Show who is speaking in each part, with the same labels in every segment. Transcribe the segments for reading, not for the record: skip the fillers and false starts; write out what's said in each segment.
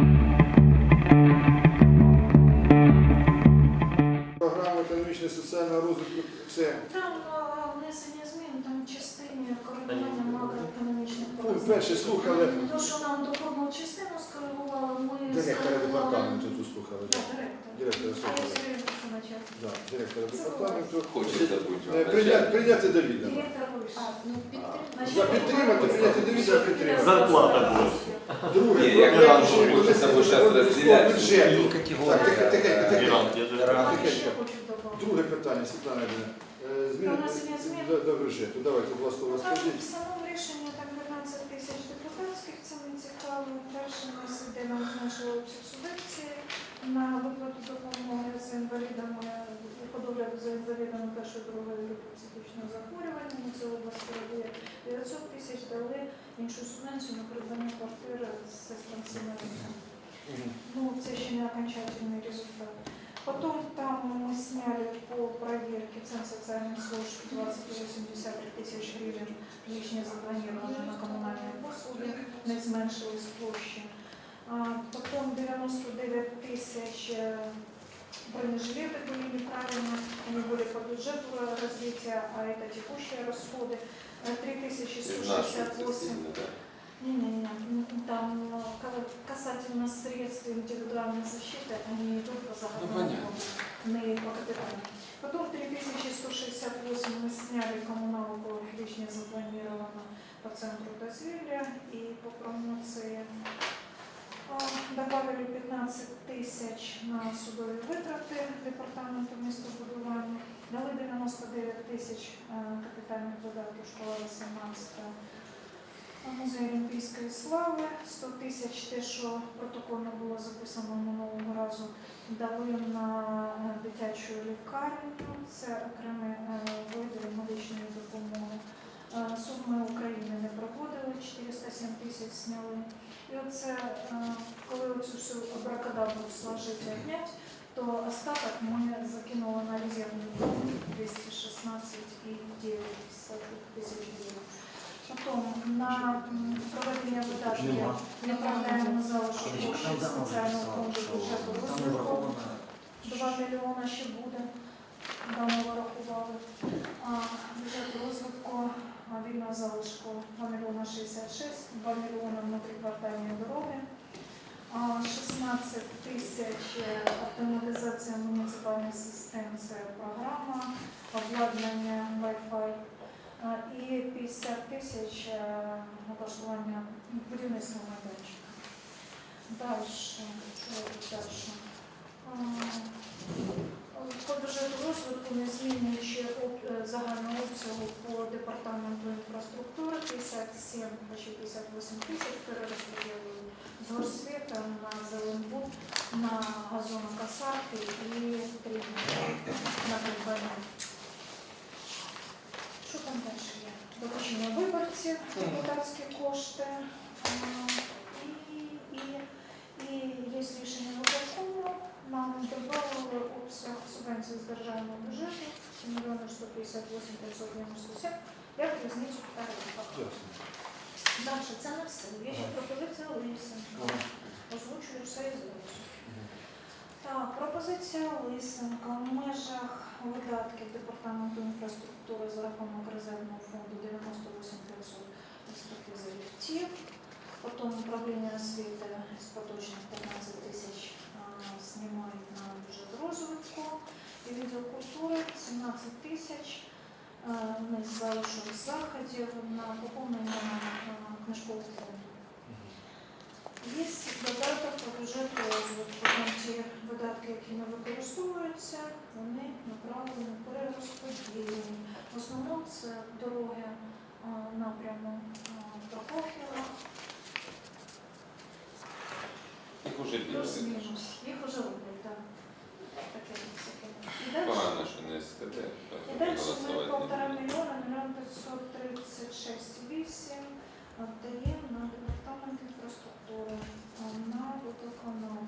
Speaker 1: Програма економічного соціального розвитку це
Speaker 2: Там внесення змін, там в частині коригування макроекономічних
Speaker 1: ну,
Speaker 2: показників.
Speaker 1: перше слухали
Speaker 2: То, що нам доходну частину скоригували, ми
Speaker 1: директора
Speaker 2: скоригували.
Speaker 1: департаменту, тут слухали.
Speaker 2: Так,
Speaker 1: Директора
Speaker 2: А я
Speaker 1: слухали.
Speaker 2: все время начать.
Speaker 1: Да, директора департаменту.
Speaker 3: Хочеться бути.
Speaker 1: Прийняти до відома.
Speaker 2: Директор вийшов.
Speaker 1: За підтримати, прийняти до відома підтримати.
Speaker 4: Зарплата буде.
Speaker 1: Друге,
Speaker 3: Ні, як
Speaker 1: проект
Speaker 3: нам
Speaker 1: рішення
Speaker 3: хочеться, бо
Speaker 1: комісії
Speaker 3: щас
Speaker 1: з
Speaker 3: розділяти.
Speaker 1: бюджету. Так, тихенько.
Speaker 4: Варіант, я дуже
Speaker 2: Ще хочу добавити.
Speaker 1: Друге питання, Світлана Іванівна.
Speaker 2: Внесення змін.
Speaker 1: До бюджету. Давайте, будь ласка,
Speaker 2: Там
Speaker 1: розкажіть.
Speaker 2: в самому рішенні там 15 тисяч депутатських, це не цікаво. Перше у нас іде нам зменшили обсяг субвенції на виплату допомоги з інвалідами, по догляду за інвалідами першої, другої групи психічного захворювання. На цю область передає 900 тисяч, дали іншу субвенцію на придбання квартири з сестрам сімейним. Ну, це ще не окончательный результат. Потом там мы сняли по проверке цен социальных служб 20,83 тысяч гривен, лишнее запланировано на коммунальные послуги, не зменшились площі. Потом 99 тысяч бронежилеты были неправильно, они были по бюджету развития, а это текущие расходы. 3168. Не, там касательно средств индивидуальной защиты, они идут по заготовкам, не по капиталу. Потом 3168 мы сняли коммуналку, лишнее запланировано по центру дозвілля и по промоции. Добавили 15 тысяч на судові витрати департаменту містобудування, дали 99 тисяч капітальних видатків школа 18. Музей Олімпійської слави, 100 тисяч, те, що протокольно було записано минулого разу, дали на дитячу лікарню, це окремий види медичної допомоги. Суми України не проводили, 407 тисяч зняли. І оце, коли оцю всю абракадабру сложити і обнять, то остаток ми закинули на резервний фонд 216,9 тисяч гривень. Потом на проведення видатків направляємо на залишок коштів спеціального фонду бюджету розвитку. 2 мільйона ще буде, давно вирахували. Бюджет розвитку вільного залишку 2 мільйона 66, 2 мільйона внутріквартальні дороги, 16 тисяч автоматизація муніципальних систем, це програма, обладнання Wi-Fi. І 50 тисяч облаштування будівництва майданчика. Далі. По бюджету розвитку не змінюючи загального обсягу по департаменту інфраструктури 57, почти 58 тисяч перерозподілили з горсвіта на Зеленбуд, на газонокосарки і 3 на придбання. Що там далі є? Доручення виборців, депутатські кошти і є рішення виконкому. Нам додали обсяг субвенцій з державного бюджету 7 мільйонів 158 597. Я в різницю перерахувала. Далі, це не все. Є ще пропозиція Лисенка. Озвучую все і зразу. Так, пропозиція Лисенка в межах видатків департаменту інфраструктури за рахунок резервного фонду 98 500 експертизи ліфтів, потім управління освіти з поточних 15 тисяч знімають на бюджет розвитку і відділ культури 17 тисяч не з залишок заходів на поповнення книжкового фонду. Є додаток по бюджету розвитку. Ті видатки, які не використовуються, вони направлені перерозподілені. В основному це дороги напряму Прокоф'єва.
Speaker 3: Їх уже
Speaker 2: Плюс-мінус. Їх вже роблять, так. Таке всяке.
Speaker 3: Погано, що не СКД.
Speaker 2: І далі ми 1,5 мільйона, 1 536,8 віддаємо на департамент інфраструктури, на водоканал.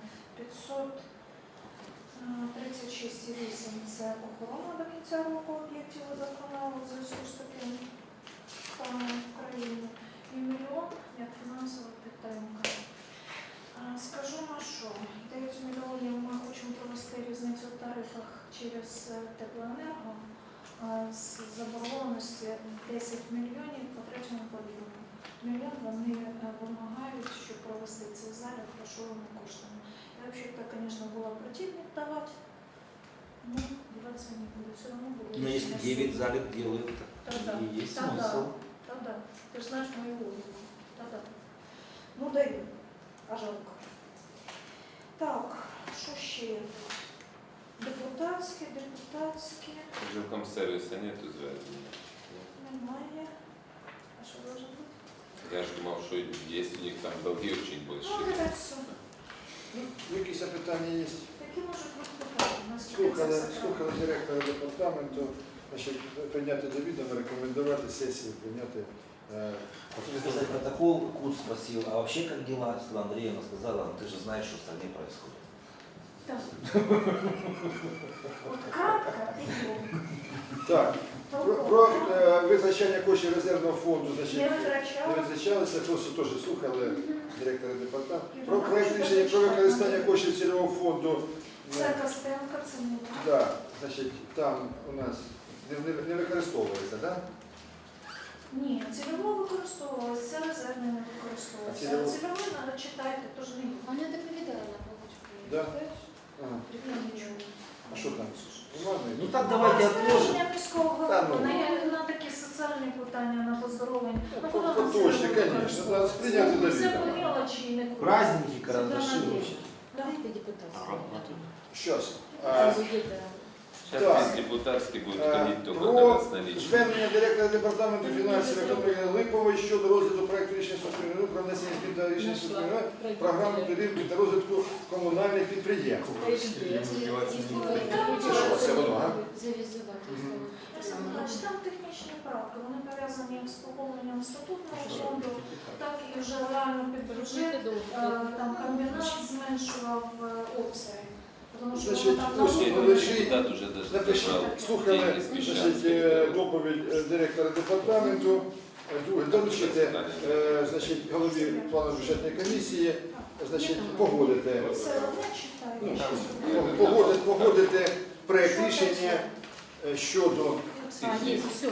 Speaker 2: 536,8 це охорона до кінця року об'єктів водоканалу в зв'язку з таким станом в країні. І мільйон як фінансова підтримка. Скажу що 9 мільйонів ми хочемо провести різницю в тарифах через теплоенерго з заборгованості 10 мільйонів по третьому поділу. Мільйон вони вимагають, щоб провести цей залік грошовими коштами. Я взагалі-то, звісно, була противник давати, но деваться не буду, все равно буду.
Speaker 4: Но если 9 залив делают,
Speaker 2: Тогда.
Speaker 4: и есть
Speaker 2: Тогда.
Speaker 4: смысл.
Speaker 2: Та-да, ти ж знаєш мою логіку. Та-да. Ну, даю, а жалко. Так, що ще є? Депутатські.
Speaker 3: В жилком сервисе нету зв'язання.
Speaker 2: Немає. А що може бути?
Speaker 3: Я ж думав, що є у них там долги очень
Speaker 2: Ну,
Speaker 3: большие.
Speaker 2: опять все.
Speaker 1: Ну, якісь питання є?
Speaker 2: Які можуть бути питання? Наскільки це все
Speaker 1: Слухали директора департаменту, значить, прийняти до відома, рекомендувати сесії, прийняти.
Speaker 4: Хочу сказать протокол, Кут спросил, а вообще как дела? Светлана Андреевна сказала, ну ты же знаешь, что в стране происходит.
Speaker 2: Так. От кратко і
Speaker 1: Так, про визначення коштів резервного фонду, значить,
Speaker 2: не
Speaker 1: не
Speaker 2: витрачала.
Speaker 1: визначалися, просто теж слухали директора департаменту. Про проект рішення про використання коштів цільового фонду.
Speaker 2: Це Костенко, це не так.
Speaker 1: Да, значить, там у нас не використовується, так? Да?
Speaker 2: Ні, цільово використовувалося, це резервне не використовувалося.
Speaker 1: А цільово?
Speaker 2: Цільове треба читати, тож не
Speaker 5: Она доповідала на получку.
Speaker 1: Да. Ага.
Speaker 2: нічого.
Speaker 1: А що там? Бумажний?
Speaker 4: Ну так давайте отложим.
Speaker 2: Розпорядження міського
Speaker 1: Та
Speaker 2: голови
Speaker 1: ну.
Speaker 2: на такі соціальні питання, на поздоровлення.
Speaker 1: Ну,
Speaker 2: Ну, куди нам
Speaker 1: точно,
Speaker 2: це
Speaker 1: конечно,
Speaker 2: використовувати?
Speaker 1: треба сприйняти до
Speaker 2: Це
Speaker 1: відома.
Speaker 2: по мелочі і не куди.
Speaker 4: Праздники, карандаши
Speaker 2: Світлана
Speaker 4: вообще.
Speaker 5: Давайте депутатскую.
Speaker 1: Щас.
Speaker 3: Сейчас
Speaker 1: Так.
Speaker 3: весь депутатский будет ходить только
Speaker 1: Про
Speaker 3: на наличие.
Speaker 1: звернення директора департаменту фінансів економіки Липової щодо розгляду проекту рішення Суспільного про внесення змін до рішення Суспільного програми підтримки та розвитку комунальних підприємств. Це що, це воно, а?
Speaker 2: Значить, там технічні правки, вони пов'язані як з поповненням статутного фонду, так і вже реально під бюджет. Там комбінат зменшував обсяги. Тому що
Speaker 1: Значить,
Speaker 2: там
Speaker 1: ось
Speaker 2: на
Speaker 1: лежить.
Speaker 3: Депутат уже даже
Speaker 1: Напишіть,
Speaker 3: забрал
Speaker 1: слухали
Speaker 3: деньги с
Speaker 1: значить,
Speaker 3: Мещанской.
Speaker 1: доповідь директора департаменту. Друге, доручити значить, голові плану бюджетної комісії, значить, погодити.
Speaker 2: Це одне читаю.
Speaker 1: Ну, погодити проект рішення щодо
Speaker 5: Есть, все.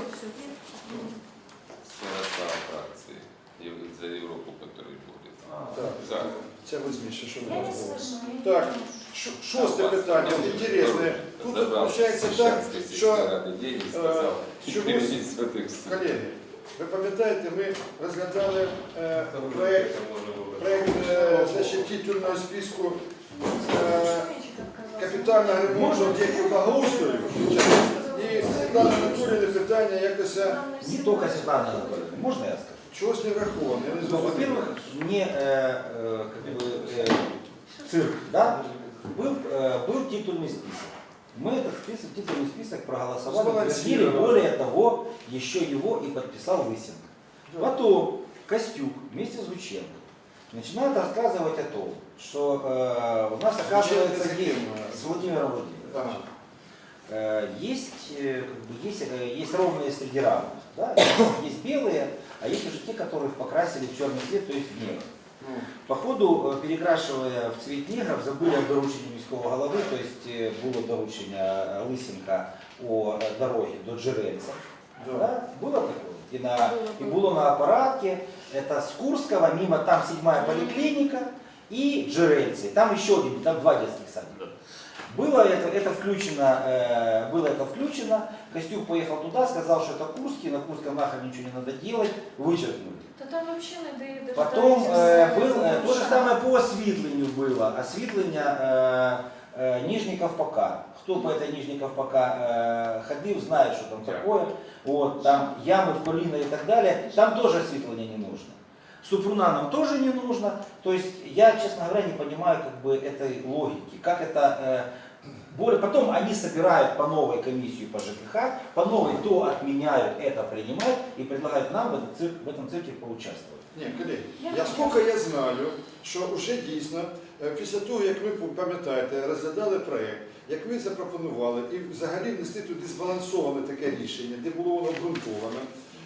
Speaker 3: Состав фракции за Европу, который будет.
Speaker 1: так,
Speaker 3: За.
Speaker 1: це возьміше, що
Speaker 2: Я
Speaker 1: у
Speaker 2: не
Speaker 1: нас було.
Speaker 2: слышно.
Speaker 1: Так, шосте питання, інтересне. Тут виходить так, що,
Speaker 3: деньги сказал,
Speaker 1: чомусь,
Speaker 3: перевести с этой ссылки.
Speaker 1: колеги, ви пам'ятаєте, ми розглядали проект значить, титульного списку капітального ремонту об'єктів благоустрою. І Світлана Анатоліївна питання якось
Speaker 4: Не только Светлана Анатольевна. Можно я скажу?
Speaker 1: чогось не враховано. Я не
Speaker 4: Ну,
Speaker 1: зрозумів.
Speaker 4: во-первых, мне как бы, цирк, да, был титульный список. Мы этот список, титульный список проголосовали, утвердили,
Speaker 1: Сбалансировали.
Speaker 4: более того, еще его и подписал Лысенко. Потом Костюк вместе с Гученко начинает рассказывать о том, что у нас оказывается
Speaker 1: Гученко
Speaker 4: есть с Владимиром Владимировичем. Есть, как бы, есть ровные среди равных. Да? Есть белые, а есть уже те, которых покрасили в черный цвет, то есть в негр.
Speaker 1: Ну,
Speaker 4: По ходу, перекрашивая в цвет негров, забыли о дорученні міського голови, то есть було доручення Лисенка о дороге до Джерельца.
Speaker 1: да.
Speaker 4: Да? Было такое? И было на аппаратке, это с Курского, мимо там 7-я поликлиника и Джерельцы. Там еще один, там 2 детских садика. Было это включено, Костюк поехал туда, сказал, что это Курский, на Курском нахрен ничего не надо делать, вычеркнули.
Speaker 2: Та там взагалі не дає
Speaker 4: Потом то же самое по освітленню было. Освітлення Нижний Ковпака. Кто по этой Нижней Ковпака ходил, знает, что там такое. Вот, там ямы в колено и так далее. Там тоже освітлення не нужно. Супруна нам тоже не нужно. То есть я, честно говоря, не понимаю как бы этой логики. Как это... Потом они собирают по новой комиссию по ЖКХ, по новой то отменяют, это принимают и предлагают нам в этом цирке поучаствовать.
Speaker 1: Ні, колеги, скільки я знаю, що вже дійсно, після того, як ви пам'ятаєте, розглядали проєкт, як ви запропонували і взагалі внесли туди збалансоване таке рішення, де було воно обґрунтовано,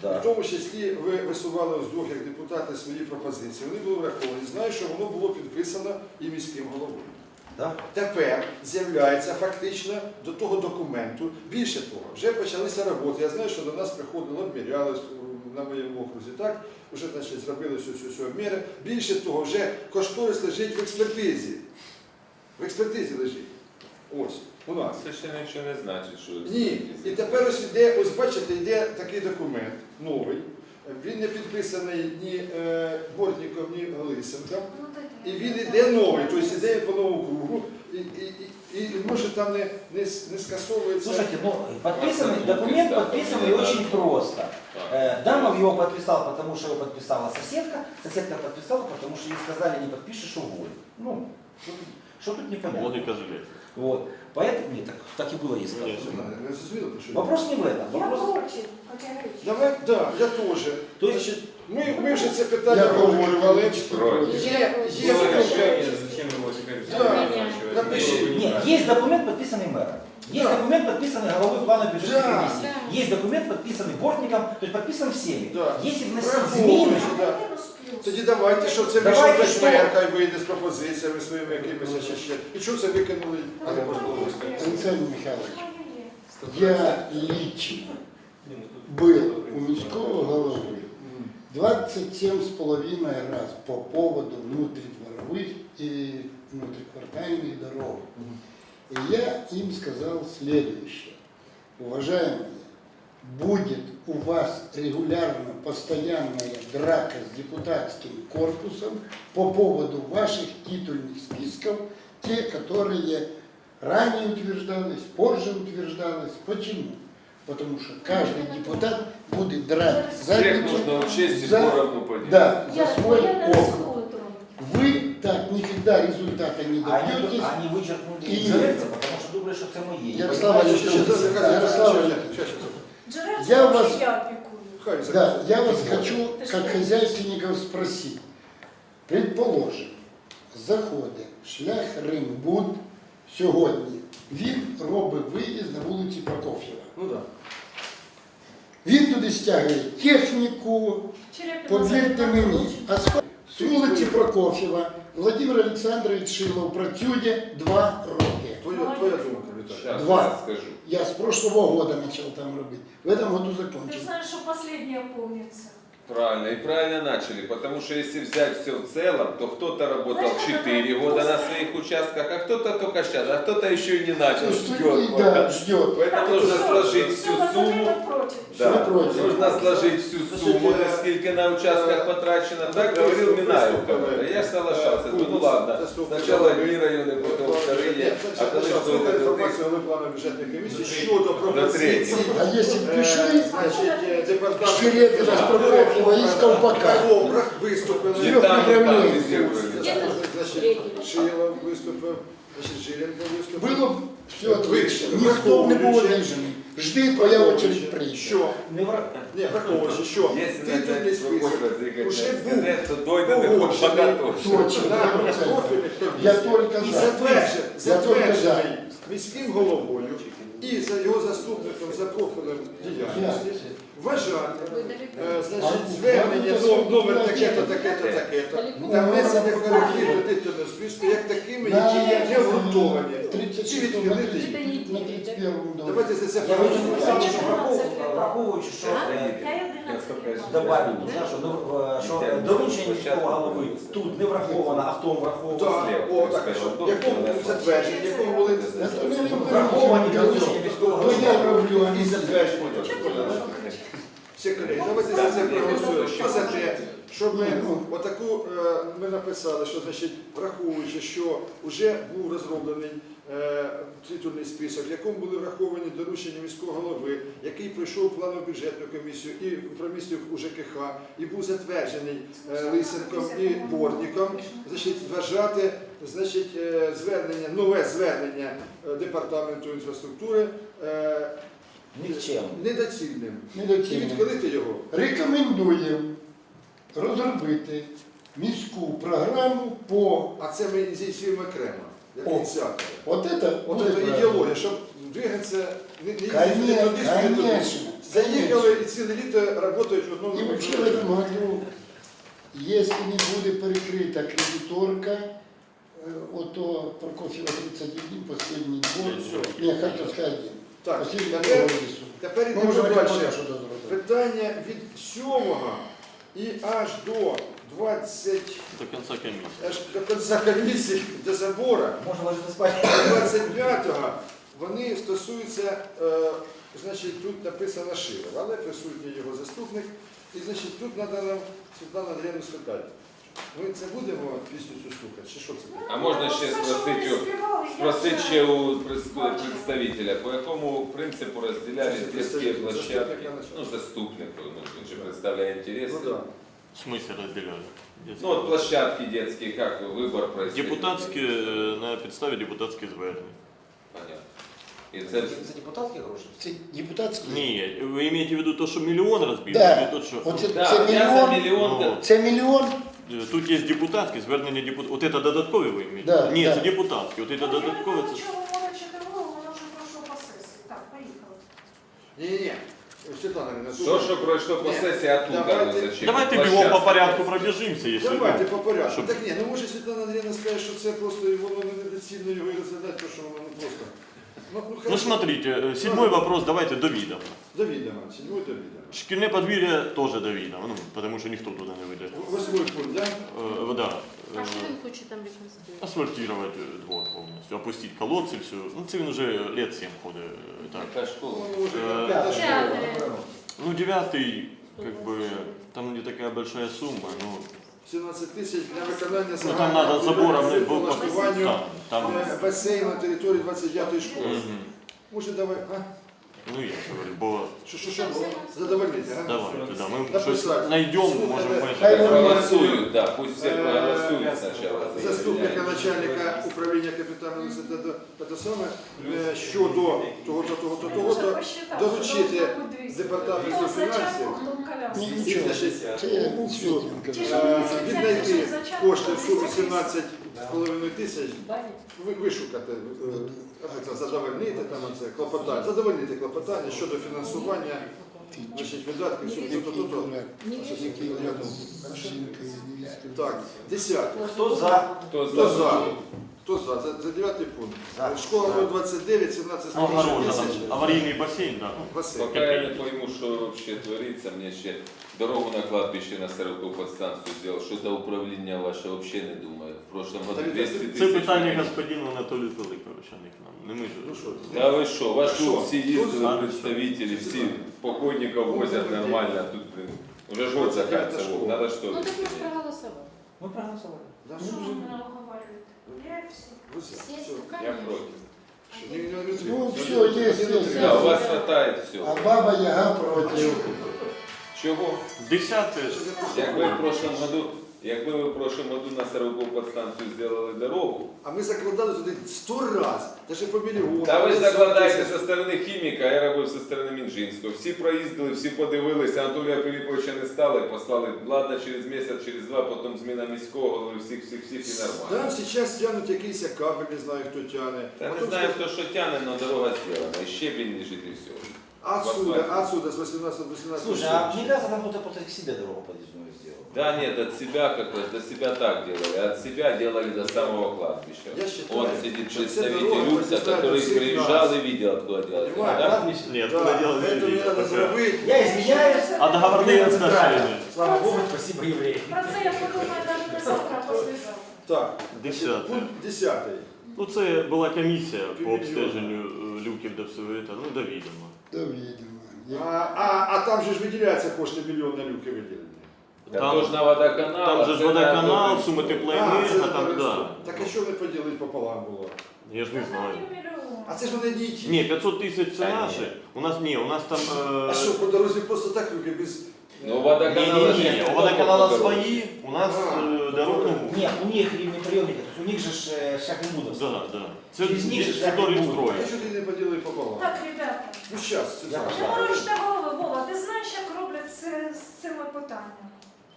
Speaker 4: Да.
Speaker 1: В тому числі ви висували вдвох як депутати свої пропозиції. Вони були враховані. Знаю, що воно було підписано і міським головою.
Speaker 4: Да?
Speaker 1: Тепер з'являється фактично до того документу. Більше того, вже почалися роботи. Я знаю, що до нас приходило, обміряли на моєму окрузі, так? Вже значить, зробили всю обміри. Більше того, вже кошторис лежить в експертизі. В експертизі лежить. Ось, у нас.
Speaker 3: Це ще нічого не значить, що...
Speaker 1: Ні. І тепер ось іде, ось бачите, йде такий документ новий. Він не підписаний ні Бортніком, ні Лисенком. І він іде новий, тобто іде по новому кругу. І може там не скасовується.
Speaker 4: Слушайте, ну подписанный, документ подписанный очень просто. Дамов его подписал, потому что его подписала соседка. Соседка подписала, потому что ей сказали, не подпишешь, уволь. Ну, что тут непонятно.
Speaker 6: Логика железная.
Speaker 4: Вот. Поэтому, нет, так и было ей сказано.
Speaker 1: Не зрозуміло, про що я?
Speaker 4: Вопрос не в этом.
Speaker 2: Я
Speaker 4: Вопрос...
Speaker 2: против, категорично.
Speaker 1: Давай, да, я теж.
Speaker 4: То есть,
Speaker 1: Значить, ми вже це питання
Speaker 7: Я
Speaker 1: обговорювали.
Speaker 3: Против.
Speaker 1: Є
Speaker 3: Зачем его теперь
Speaker 1: Да.
Speaker 3: заморачивать?
Speaker 1: Напиши.
Speaker 4: нет, есть документ, подписанный мэром. Есть
Speaker 1: Да.
Speaker 4: документ, подписанный головой плана бюджетной
Speaker 1: Да.
Speaker 4: комиссии.
Speaker 5: Да.
Speaker 4: Есть документ, подписанный Бортником, то есть подписан всеми.
Speaker 1: Да.
Speaker 4: Если вносить
Speaker 1: Враховуючи,
Speaker 4: изменения,
Speaker 1: да.
Speaker 2: Мінус плюс.
Speaker 1: Тоді давайте, що це
Speaker 4: Давайте,
Speaker 1: вийшов
Speaker 4: що?
Speaker 1: мер, хай вийде з пропозиціями своїми якимись ще. І що це викинули? А не можливо.
Speaker 7: Александр Михайлович, я лично был у міського голови 27,5 раз по поводу внутридворовых и внутриквартальных дорог. И я им сказал следующее. Уважаемые, будет у вас регулярно постоянная драка с депутатским корпусом по поводу ваших титульных списков, те, которые ранее утверждалось, позже утверждалось. Почему? Потому что каждый депутат будет драть
Speaker 3: Всех
Speaker 7: задницу
Speaker 3: нужно учесть и
Speaker 7: за-
Speaker 3: поровну поделить.
Speaker 7: да, за
Speaker 2: Я
Speaker 7: свой
Speaker 2: не
Speaker 7: округ.
Speaker 2: рискую трогать.
Speaker 7: Вы так никогда результата не добьетесь.
Speaker 4: они вычеркнули
Speaker 7: И-
Speaker 4: Джерельца, потому что думали, что это мои.
Speaker 7: Ярослав
Speaker 1: Щас,
Speaker 7: Александрович,
Speaker 1: щас, щас,
Speaker 7: Ярослав
Speaker 1: щас,
Speaker 7: Александрович,
Speaker 1: щас, щас.
Speaker 2: Джерельцем
Speaker 7: Я
Speaker 2: вообще
Speaker 7: вас-
Speaker 2: я опекую.
Speaker 1: Хай
Speaker 7: да,
Speaker 1: закінчить.
Speaker 7: я вас хочу,
Speaker 2: Ты
Speaker 7: как
Speaker 2: что?
Speaker 7: хозяйственников, спросить. Предположим, заходить шлях Римбуд сьогодні. Він робить виїзд на вулиці Прокоф'єва.
Speaker 1: Ну так.
Speaker 7: Він туди стягує техніку,
Speaker 2: Черепина
Speaker 7: повірте
Speaker 2: забита
Speaker 7: мені,
Speaker 2: очень.
Speaker 7: асфальт. З вулиці Прокоф'єва Владимир Олександрович Шилов працює 2 роки.
Speaker 1: Твоя думка, Віталій.
Speaker 3: Сейчас
Speaker 7: Два.
Speaker 3: я скажу.
Speaker 7: Я с прошлого года начал там робить. В этом году
Speaker 2: Ты
Speaker 7: закончил.
Speaker 2: знаешь, что последнее помнится.
Speaker 3: Правильно, и правильно начали, потому что если взять все в целом, то кто-то работал
Speaker 2: Знаешь,
Speaker 3: 4
Speaker 2: это
Speaker 3: года на
Speaker 2: просто-
Speaker 3: своих участках, а кто-то только сейчас, а кто-то еще и не начал,
Speaker 7: Что
Speaker 3: ждет.
Speaker 7: да, ждет.
Speaker 3: Поэтому нужно сложить всю сумму.
Speaker 2: Против.
Speaker 3: Да,
Speaker 7: Все против.
Speaker 3: нужно сложить всю сумму, насколько на участках потрачено. Так говорил Минаев. Я соглашался. Ну ладно, сначала одни районы, потом вторые, а коли
Speaker 1: Слухайте
Speaker 3: что это
Speaker 1: інформацію голови плану бюджетної комісії щодо пропозицій.
Speaker 7: А если б пришли
Speaker 1: Значить, департамент
Speaker 7: Щерепина з Прокоф'єва і з Ковпака,
Speaker 1: Добрах виступили.
Speaker 3: И там, и там
Speaker 7: направлений.
Speaker 3: везде были.
Speaker 1: Значить, Шилов виступив, значить, Жиленко виступив.
Speaker 7: було б все отлично. Ніхто б не був обіжений. Жди, твоя очередь прийде.
Speaker 1: Що?
Speaker 4: Не враг.
Speaker 1: Ні, враховуючи, що
Speaker 3: Если
Speaker 1: титульний
Speaker 3: начать
Speaker 1: список
Speaker 3: спокойно зыкать
Speaker 1: уже
Speaker 3: на
Speaker 1: був
Speaker 3: интернет, то дойдет до
Speaker 1: погоджений.
Speaker 3: Ковпака точно.
Speaker 7: Точно,
Speaker 1: на
Speaker 7: 100%.
Speaker 1: профільних
Speaker 7: Я
Speaker 1: комісіях.
Speaker 7: тільки
Speaker 1: І
Speaker 7: за.
Speaker 1: затверджений міським головою і за його заступником за профілем діяльності вважати, значить, звернення номер таке-то, таке-то, таке-то, та внесення коректив до титульного списку як такими, які є не обґрунтовані. Чи
Speaker 7: 36
Speaker 1: відхилити їх.
Speaker 7: на 31 доме.
Speaker 1: Давайте за це
Speaker 4: Я хочу
Speaker 1: проголосуємо.
Speaker 4: сказати, враховуючи, що добавити, що доручення міського голови тут не враховано, а в тому враховано.
Speaker 1: Так, о, так, а що? Якому затвердження, якому були
Speaker 4: Враховані доручення міського
Speaker 7: То я
Speaker 4: голови.
Speaker 7: роблю, а
Speaker 1: і
Speaker 7: не
Speaker 1: затвердження. Всі колеги, давайте за це проголосуємо. Що за те, щоб ми отаку, ми написали, що, значить, враховуючи, що вже був розроблений титульний список, в якому були враховані доручення міського голови, який пройшов планову бюджетну комісію і промісів у ЖКХ, і був затверджений Лисенком і Бортником, значить, вважати, значить, звернення, нове звернення департаменту інфраструктури
Speaker 4: Нікчем.
Speaker 1: недоцільним. І
Speaker 7: недоцільно.
Speaker 1: відхилити його.
Speaker 7: Рекомендуємо розробити міську програму по
Speaker 1: А це ми здійснюємо окремо, як
Speaker 7: О.
Speaker 1: ініціатори.
Speaker 7: от это
Speaker 1: От
Speaker 7: буде
Speaker 1: це
Speaker 7: правильно.
Speaker 1: ідеологія, щоб двигатися, не їздити туди, сюди, туди.
Speaker 7: Конечно.
Speaker 1: Заїхали і ціле літо працюють в одному
Speaker 7: І вообще в этом году, если не буде перекрита кредиторка, ото Прокофьева 31, последний год, не, Харьковская 1,
Speaker 1: Так,
Speaker 7: последний год
Speaker 1: тепер,
Speaker 7: лісу.
Speaker 1: тепер
Speaker 7: Ми
Speaker 1: йдемо
Speaker 7: можемо
Speaker 1: далі.
Speaker 7: що зробити.
Speaker 1: Питання від 7 і аж до 20,
Speaker 6: До конца комиссии.
Speaker 1: аж до кінця комісії, до забору,
Speaker 4: Можно ложиться спать.
Speaker 1: 25-го, вони стосуються, значить, тут написано Шилов, але присутній його заступник. І, значить, тут треба нам Світлану Андріївну спитати. Ми це будемо пісню цю слухати, чи що це буде?
Speaker 3: А можна ще спросити ще у представителя, по якому принципу розділяли детські площадки? Ну, заступник, ну, він же представляє інтереси.
Speaker 1: Ну, да.
Speaker 6: В смысле разделяли?
Speaker 3: Ну, от площадки детські, як вибор происходит?
Speaker 6: Депутатські, на підставі депутатських звернень.
Speaker 3: Понятно. І це
Speaker 4: За депутатські гроші?
Speaker 7: Це депутатські?
Speaker 6: Ні, ви маєте в виду то, що мільйон розбили?
Speaker 7: Да.
Speaker 6: Чи то, що...
Speaker 7: Оце,
Speaker 3: да,
Speaker 7: це
Speaker 3: я за
Speaker 7: мільйон,
Speaker 3: мільйон.
Speaker 6: Ну,
Speaker 7: це мільйон,
Speaker 6: Тут є депутатські, звернення депутатські. От це додаткові ви маєте?
Speaker 7: Да,
Speaker 6: Ні,
Speaker 7: да.
Speaker 6: це депутатські. От це додаткові, це...
Speaker 2: Чого мовчати голову, воно вже пройшло по сесії. Так, поїхали.
Speaker 1: Ні-ні-ні, Світлана Андріївна,
Speaker 3: що, що пройшло по
Speaker 1: Ні,
Speaker 3: сесії, а тут
Speaker 1: давайте-
Speaker 3: зачем?
Speaker 6: Давайте бігом
Speaker 3: Площадки.
Speaker 6: по порядку пробіжимося, якщо...
Speaker 1: давайте по порядку.
Speaker 6: Щоб-
Speaker 1: Так ні, ну може Світлана Андріївна скаже, що це просто і воно недоцільно його і розглядати, тому що воно просто.
Speaker 6: Ну
Speaker 1: хорошо.
Speaker 6: смотрите, седьмой вопрос давайте до відома.
Speaker 1: До відома, 7 до відома.
Speaker 6: Шкільне подвір'я теж до відома, ну, тому що ніхто туди не вийде.
Speaker 1: 8 пункт, так?
Speaker 6: Да.
Speaker 5: А що він хоче там реконструювати?
Speaker 6: Асфальтировать двор повністю, опустить колодці, все. Ну це він уже лет 7 ходить. Так.
Speaker 3: Яка школа?
Speaker 1: Ну, може,
Speaker 6: Е,
Speaker 1: п'ята школа.
Speaker 5: П'яте.
Speaker 6: Ну, девятый, как бы, там не такая большая сумма, ну,
Speaker 1: 17 тисяч для виконання
Speaker 6: ну там
Speaker 1: загального
Speaker 6: надо забором
Speaker 1: по влаштуванню
Speaker 6: там,
Speaker 1: басейну на території 29-ї школи.
Speaker 6: Мгм.
Speaker 1: Може, давай, а?
Speaker 6: Ну я же говорю, бо
Speaker 1: Що? Задовольнити, а?
Speaker 6: давайте, да, мы
Speaker 1: Написать.
Speaker 6: что-то найдем,
Speaker 1: Слухайте,
Speaker 6: можем
Speaker 7: хай
Speaker 6: поехать.
Speaker 3: Проголосують, да, пусть всі проголосують спочатку.
Speaker 1: Заступника начальника управління капітального університету те саме щодо того-то, доручити департаменту фінансів
Speaker 7: ні, нічого,
Speaker 1: значить,
Speaker 7: це Світленко.
Speaker 1: віднайти кошти в сумі 17,5 тисяч, вишукати, задовольнити там це клопотання, задовольнити клопотання щодо фінансування значить, видатків сумі то-то. Так, 10.
Speaker 4: Хто за?
Speaker 3: Хто
Speaker 1: Хто
Speaker 3: за?
Speaker 1: за? Хто за? За 9 пункт.
Speaker 4: За.
Speaker 1: Школа номер 29, 17
Speaker 6: Ну, огорожа, там,
Speaker 1: тисяч.
Speaker 6: аварийный бассейн, да. ну,
Speaker 1: Басейн.
Speaker 3: Поки я не пойму, що вообще твориться, мені ще дорогу на кладбище на 40 подстанцію зробив, що до управління ваше вообще не думаю. В прошлом году
Speaker 1: Та
Speaker 3: 200
Speaker 1: це
Speaker 6: Це
Speaker 3: тисяч.
Speaker 6: питання господину Анатолію Пилиповича, не к нам. Не ми ж.
Speaker 1: Ну що?
Speaker 3: Да ви що, ваші
Speaker 1: Що?
Speaker 3: всі
Speaker 1: Тут
Speaker 3: їздили
Speaker 6: за-
Speaker 3: представителі, всі покойників возять нормально, а тут, блин, уже ж год заканчивается,
Speaker 1: школа.
Speaker 3: надо что
Speaker 5: Ну
Speaker 3: ли?
Speaker 5: так ми ж проголосували.
Speaker 4: Ми проголосували.
Speaker 1: Да,
Speaker 2: Що
Speaker 1: що?
Speaker 2: ви мене оговорюєте? Я всі.
Speaker 1: Ви за.
Speaker 5: Всі
Speaker 1: Все.
Speaker 5: стукають.
Speaker 3: Я проти.
Speaker 1: Що, не
Speaker 7: Ну,
Speaker 1: утримуйтесь.
Speaker 7: все, є.
Speaker 3: Да, у вас хватает
Speaker 7: А
Speaker 3: всього.
Speaker 7: баба Яга проти.
Speaker 3: Чого?
Speaker 6: 10
Speaker 3: Якби ви в прошлом году на 40 подстанцію зробили дорогу,
Speaker 1: А ми закладали туди 100 раз, навіть по мільйону.
Speaker 3: та ви ж закладаєте зі сторони хіміка, я робив зі сторони Мінжинського. Всі проїздили, всі подивилися, Анатолія Філіповича не стали, послали, ладно, через місяць, через два, потім зміна міського, голови, всіх і нормально.
Speaker 1: Там зараз тягнуть якийсь кабель, не знаю хто тягне.
Speaker 3: Та не
Speaker 1: Потім
Speaker 3: знаю, хто що тягне, але дорога зроблена, і щебінь лежить і все.
Speaker 1: Отсюда, с 18 до 17.
Speaker 4: Слушай, а мне кажется, там кто-то просто к себе дорогу подъездную сделал.
Speaker 3: Да нет, от себя как раз, до себя так делали, от себя делали до самого кладбища.
Speaker 1: Я считаю,
Speaker 3: Он сидит
Speaker 1: что все
Speaker 3: представитель
Speaker 1: дороги
Speaker 3: ЮРСа,
Speaker 1: подъезжают
Speaker 3: который
Speaker 1: до всех
Speaker 3: приезжал
Speaker 1: нас.
Speaker 3: и видел, откуда делали.
Speaker 1: Понимаешь,
Speaker 3: Да?
Speaker 4: Кладбище.
Speaker 6: Нет,
Speaker 1: Да,
Speaker 6: куда дело
Speaker 1: это мне надо зробити.
Speaker 4: Я извиняюсь.
Speaker 6: А договорные отношения?
Speaker 4: Слава Богу, спасибо евреям.
Speaker 2: Про це я подумаю навіть не завтра, а послезавтра.
Speaker 1: Так,
Speaker 6: 10.
Speaker 1: пункт 10.
Speaker 6: Ну, це була комісія по обстеженню люків до всього цього, ну, до відома.
Speaker 7: До відома.
Speaker 1: А там же ж виділяються кошти мільйон на люки виділені.
Speaker 3: Да,
Speaker 6: Там-
Speaker 3: тоже на водоканал.
Speaker 6: Там же ж
Speaker 3: це на
Speaker 6: водоканал,
Speaker 3: добрий
Speaker 6: суми
Speaker 3: суд.
Speaker 6: теплоенерго, там, да.
Speaker 1: Так а що не поділити пополам було?
Speaker 6: Я ж не знаю.
Speaker 1: А це ж вони не ті.
Speaker 6: Ні, 500 тисяч це
Speaker 3: Та ні.
Speaker 6: наші. У нас там...
Speaker 1: А що, по дорозі просто так люки без...
Speaker 3: Ну, водоканал...
Speaker 6: Ні, у водоканала свої, у нас дорог, ну,
Speaker 4: Нет, у них рівнеприйомники, то есть у них же ж шахмудовство.
Speaker 6: да. Це
Speaker 4: Через них же
Speaker 6: територію
Speaker 4: так і буде.
Speaker 1: А
Speaker 6: строю.
Speaker 1: що ти не поділив пополам?
Speaker 2: Так, ребята,
Speaker 1: Ну щас, це
Speaker 4: Я
Speaker 1: так.
Speaker 2: не морочте голови, Вова, ти знаєш, як роблять це з цими питаннями?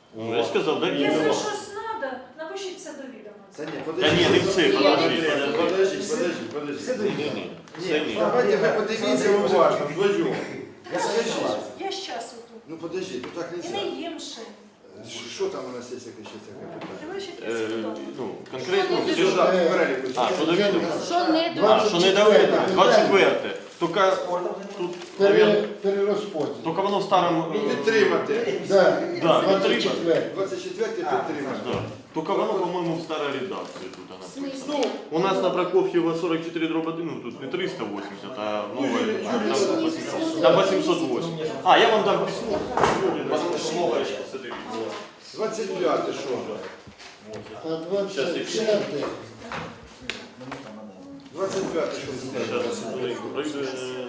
Speaker 6: Ну, я ж сказав, да,
Speaker 2: Якщо
Speaker 6: відомо.
Speaker 2: щось треба, напишіть це до відома.
Speaker 1: Та ні,
Speaker 6: Та ні, не все,
Speaker 1: подожди.
Speaker 6: Ні. Це ні.
Speaker 1: Давайте ви подивіться уважно, вдвоєм.
Speaker 2: Я щас отут.
Speaker 1: Ну подожди, ну так
Speaker 2: І
Speaker 1: нельзя.
Speaker 2: не їм ще.
Speaker 1: Що там у нас є яке ще таке питання?
Speaker 2: Диви, що я сказала.
Speaker 6: Ну, конкретно,
Speaker 5: Що не
Speaker 6: що-
Speaker 1: Що там, переліку?
Speaker 6: А, що до відома?
Speaker 5: Що не
Speaker 6: А, що не доведено, 24. Тільки тут, наверное,
Speaker 7: Перерозподіл.
Speaker 6: тільки воно в старому...
Speaker 1: Підтримати.
Speaker 7: Да,
Speaker 6: Да,
Speaker 7: 24.
Speaker 1: 24 підтримати.
Speaker 6: Да. Тільки воно, по-моєму, в старій редакції тут
Speaker 5: В
Speaker 6: вона.
Speaker 5: смысле?
Speaker 6: У нас на Прокофьева 44/1, ну тут не 380, а новая, там 808. А, я вам дам письмо, потому что новое сейчас это видео.
Speaker 1: 25 що?
Speaker 7: А 25.
Speaker 1: 25 що?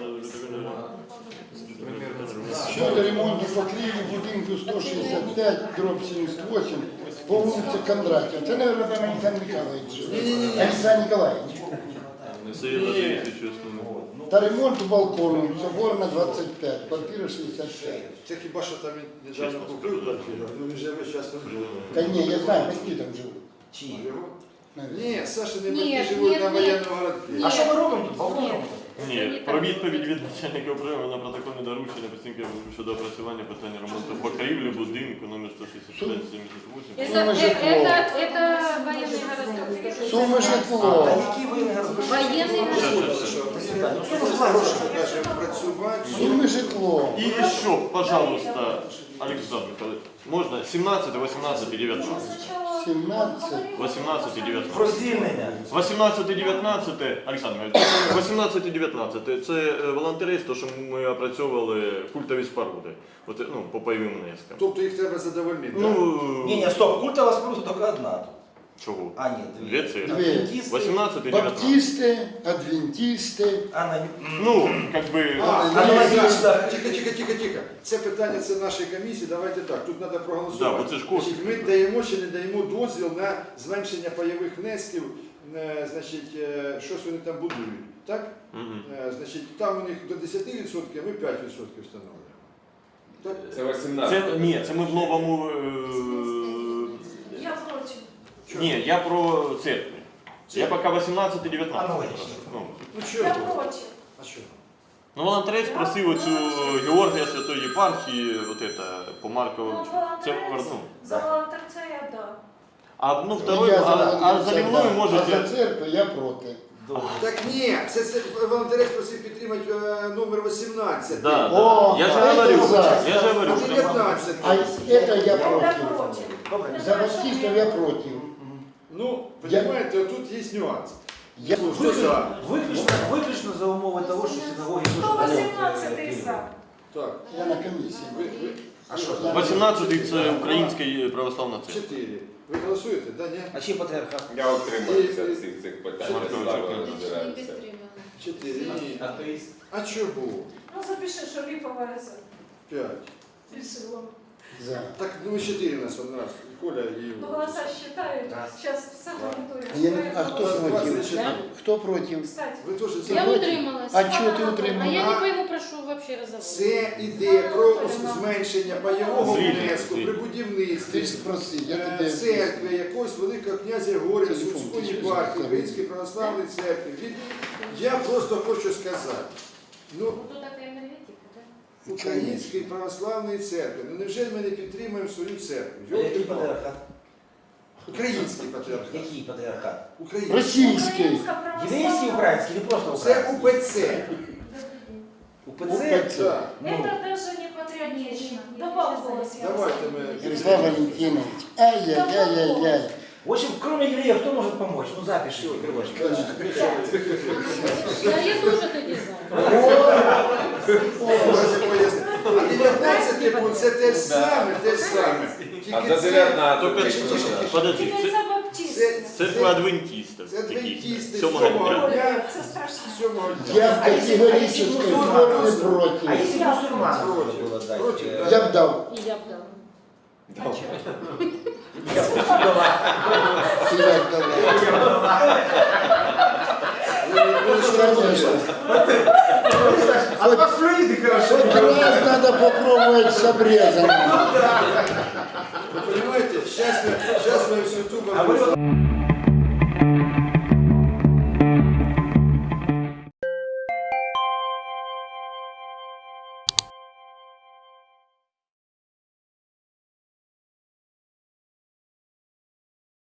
Speaker 7: Щодо ремонту покрівлі будинку 165, дроб 78, по вулиці Кондратія. Це, мабуть, там Олександр Михайлович жив. Олександр Ніколаївич. Та ремонту балкону, Соборна 25, квартира 65.
Speaker 1: Це хіба що там він недавно купив квартиру? Ну він же весь час там живе.
Speaker 7: Та ні, я знаю, батьки там живуть.
Speaker 4: Чиї?
Speaker 1: Ні, Саша не
Speaker 5: Ні,
Speaker 1: батьки живуть
Speaker 5: ні,
Speaker 1: на
Speaker 5: ні.
Speaker 1: воєнному городку.
Speaker 4: А що ми робимо тут? Балкон робимо?
Speaker 6: Ні, про відповідь від начальника управління на протокольне доручення постійки щодо опрацювання питання ремонту покрівлі будинку номер 165-78.
Speaker 5: Это военный городок.
Speaker 7: Суми
Speaker 4: Та
Speaker 7: житло.
Speaker 4: які ви не розумієте?
Speaker 5: Военный городок.
Speaker 4: Ну, сума ж була гроші.
Speaker 1: Кажемо, працювати.
Speaker 7: Суми житло.
Speaker 6: И еще, пожалуйста, Александр Михайлович, можно 17, 18 и 19?
Speaker 7: 17.
Speaker 6: 18 и 19.
Speaker 4: Про звільнення.
Speaker 6: 18 і 19, Олександр Михайлович, 18 і 19 це волонтерство, що ми опрацьовували культові споруди, от, ну, по пайовим внескам.
Speaker 1: Тобто їх треба задовольнити. так?
Speaker 6: Ну,
Speaker 4: Ні, стоп, культова споруда тільки одна тут.
Speaker 6: чого?
Speaker 4: А, ні,
Speaker 6: Дві це.
Speaker 7: Дві.
Speaker 6: 18 і 19.
Speaker 7: Баптисти, адвентисти.
Speaker 6: Ну, как бы...
Speaker 4: Аналогічно.
Speaker 1: Тихо. Це питання, це нашої комісії, давайте так, тут треба
Speaker 6: Да,
Speaker 1: проголосувати.
Speaker 6: бо це ж кошти.
Speaker 1: Значить, ми даємо чи не даємо дозвіл на зменшення пайових внесків, значить, щось вони там будують, так?
Speaker 6: Мгм.
Speaker 1: Значить, там у них до 10%, ми 5% встановлюємо. Так?
Speaker 3: Це 18.
Speaker 6: Це, ні, це ми в новому...
Speaker 2: Я проти.
Speaker 6: Ні, я про церкві. Я поки 18 і 19.
Speaker 4: Аналогічно.
Speaker 6: Ну,
Speaker 1: Ну
Speaker 2: Я
Speaker 1: чого?
Speaker 2: проти.
Speaker 1: А що?
Speaker 6: Ну, волонтерець просив оцю Георгія Святої Єпархії, от это, по Маркову. Це, ну,
Speaker 2: За волонтерця я да.
Speaker 6: а, ну, второй,
Speaker 7: Я
Speaker 6: а за рівною
Speaker 7: А
Speaker 6: можете...
Speaker 7: за церкву я проти.
Speaker 1: Так ні, це волонтерець просив підтримати номер 18.
Speaker 6: Да,
Speaker 7: О,
Speaker 6: я же
Speaker 7: это
Speaker 6: говорю,
Speaker 7: за.
Speaker 6: я же говорю,
Speaker 1: А
Speaker 6: что...
Speaker 1: 19.
Speaker 7: А это я против.
Speaker 2: проти.
Speaker 4: Добре.
Speaker 7: За баптистов я против.
Speaker 1: Ну, розумієте, тут є нюанс.
Speaker 7: Я
Speaker 1: Хто за?
Speaker 4: Виключно за умови того, що синагоги дуже
Speaker 2: 118 за.
Speaker 1: Так,
Speaker 7: Я на комиссии.
Speaker 1: ви
Speaker 4: А що?
Speaker 6: 18-й це Українська православна церква.
Speaker 1: 4. Ви голосуєте, да, ні?
Speaker 4: А чи патріархат?
Speaker 3: Я утримуюся від всіх цих питань.
Speaker 6: Маркович,
Speaker 3: Ставлю,
Speaker 6: Маркович.
Speaker 3: не збираюся.
Speaker 1: 4. Ні. А чого?
Speaker 2: Ну запиши, що Ліпова за.
Speaker 1: 5.
Speaker 2: Рішила.
Speaker 7: За.
Speaker 1: Так, ну 4 у нас один раз. Коля і...
Speaker 2: Ну голоса считают.
Speaker 4: Раз.
Speaker 2: Сейчас все монитуют.
Speaker 7: А кто против? Кто против?
Speaker 2: Кстати,
Speaker 1: Ви теж за.
Speaker 5: Я утрималась.
Speaker 7: А чого ти
Speaker 5: А
Speaker 7: утрималась?
Speaker 5: я не пойму, про що вообще разговор.
Speaker 1: Це ідея про зменшення пайового
Speaker 6: Звільнення,
Speaker 1: внеску при
Speaker 6: звільнення.
Speaker 1: будівництві
Speaker 7: Ты ж спроси, я тебе...
Speaker 1: церкви якогось великого князя Григорія
Speaker 7: Телефон,
Speaker 1: Сумської
Speaker 7: ти що
Speaker 1: єпархії,
Speaker 7: сказав?
Speaker 1: Української православної церкви. Я просто хочу сказати, ну,
Speaker 5: Ну, тут така енергетика, так?
Speaker 1: Української православної церкви, ну невже ми не підтримуємо свою церкву?
Speaker 4: Який
Speaker 1: Йолки-палки.
Speaker 4: патріархат?
Speaker 1: Український патріархат.
Speaker 4: Який патріархат?
Speaker 1: Український.
Speaker 7: Российский.
Speaker 4: Єврейський, український, не просто
Speaker 1: Це
Speaker 4: український?
Speaker 1: УПЦ.
Speaker 4: УПЦ?
Speaker 7: УПЦ.
Speaker 4: Ну,
Speaker 2: это даже не патриотично. Добавь голос.
Speaker 1: Давайте ми...
Speaker 7: Ярослав Валентинович. Ай-яй-яй-яй-яй.
Speaker 4: в общем, кроме евреев, кто может помочь? Ну, запиши, Крылочка.
Speaker 5: Да, я тоже тоді за.
Speaker 1: А 19 пункт це те ж саме, те ж саме.
Speaker 3: А
Speaker 1: Тільки
Speaker 3: за
Speaker 1: це...
Speaker 3: 19
Speaker 6: Только,
Speaker 3: тільки
Speaker 6: подожди,
Speaker 2: Тільки за баптист.
Speaker 6: церква адвентистів.
Speaker 1: Це адвентисти
Speaker 6: Сьомого
Speaker 1: сьомого
Speaker 6: дня.
Speaker 1: дня.
Speaker 2: Це страшно.
Speaker 1: Сьомого дня.
Speaker 7: Я в категорической форме
Speaker 4: А
Speaker 7: против.
Speaker 4: если мусульманам
Speaker 1: Против.
Speaker 4: надо было дать?
Speaker 1: Против,
Speaker 4: э,
Speaker 1: да.
Speaker 7: Я б дал.
Speaker 5: І я б дала.
Speaker 4: Я бы дала.
Speaker 7: И я б дала. Конечно.
Speaker 4: А по Флориде хорошо.
Speaker 7: Хоть раз надо попробовать с обрезом.
Speaker 1: Сейчас мы всю ту
Speaker 4: Говорю,